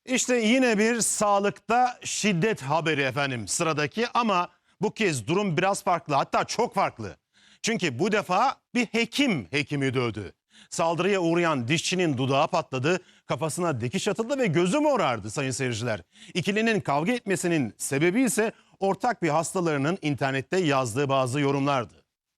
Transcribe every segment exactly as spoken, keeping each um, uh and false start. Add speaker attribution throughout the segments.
Speaker 1: İşte yine bir sağlıkta şiddet haberi efendim sıradaki, ama bu kez durum biraz farklı, hatta çok farklı. Çünkü bu defa bir hekim hekimi dövdü. Saldırıya uğrayan dişçinin dudağı patladı, kafasına dikiş atıldı ve gözü morardı sayın seyirciler. İkilinin kavga etmesinin sebebi ise ortak bir hastalarının internette yazdığı bazı yorumlardı.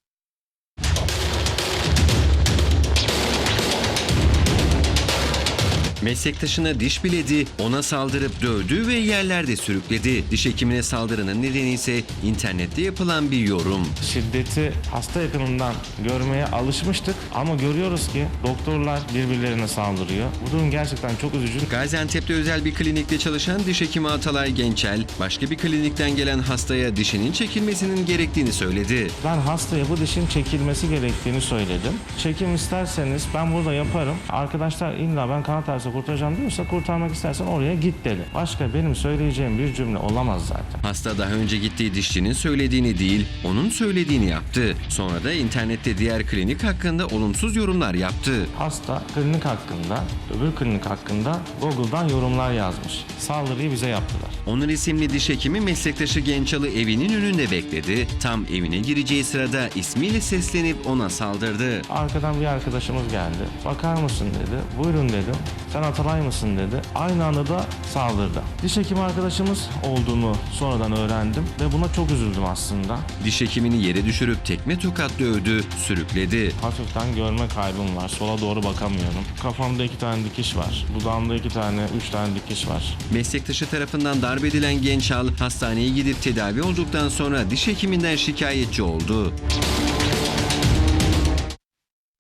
Speaker 2: Meslektaşına diş biledi, ona saldırıp dövdü ve yerlerde sürükledi. Diş hekimine saldırının nedeni ise internette yapılan bir yorum.
Speaker 3: Şiddeti hasta yakınından görmeye alışmıştık ama görüyoruz ki doktorlar birbirlerine saldırıyor. Bu durum gerçekten çok üzücü.
Speaker 2: Gaziantep'te özel bir klinikte çalışan diş hekimi Atalay Gençel, başka bir klinikten gelen hastaya dişinin çekilmesinin gerektiğini söyledi.
Speaker 3: Ben hastaya bu dişin çekilmesi gerektiğini söyledim. Çekim isterseniz ben burada yaparım. Arkadaşlar illa ben kanat ağrısı kurtaracağım diyorsa kurtarmak istersen oraya git dedi. Başka benim söyleyeceğim bir cümle olamaz zaten.
Speaker 2: Hasta daha önce gittiği dişçinin söylediğini değil, onun söylediğini yaptı. Sonra da internette diğer klinik hakkında olumsuz yorumlar yaptı.
Speaker 3: Hasta klinik hakkında, öbür klinik hakkında Google'dan yorumlar yazmış. Saldırıyı bize yaptılar.
Speaker 2: Onur isimli diş hekimi meslektaşı Gençal'ı evinin önünde bekledi. Tam evine gireceği sırada ismiyle seslenip ona saldırdı.
Speaker 3: Arkadan bir arkadaşımız geldi. Bakar mısın dedi. Buyurun dedim. Sen Atalay mısın dedi. Aynı anda da saldırdı. Diş hekimi arkadaşımız olduğunu sonradan öğrendim ve buna çok üzüldüm aslında.
Speaker 2: Diş hekimini yere düşürüp tekme tokat dövdü, sürükledi.
Speaker 3: Hafiften görme kaybım var. Sola doğru bakamıyorum. Kafamda iki tane dikiş var. Dudağımda iki tane, üç tane dikiş var.
Speaker 2: Meslektaşı tarafından darp edilen Gençal hastaneye gidip tedavi olduktan sonra diş hekiminden şikayetçi oldu.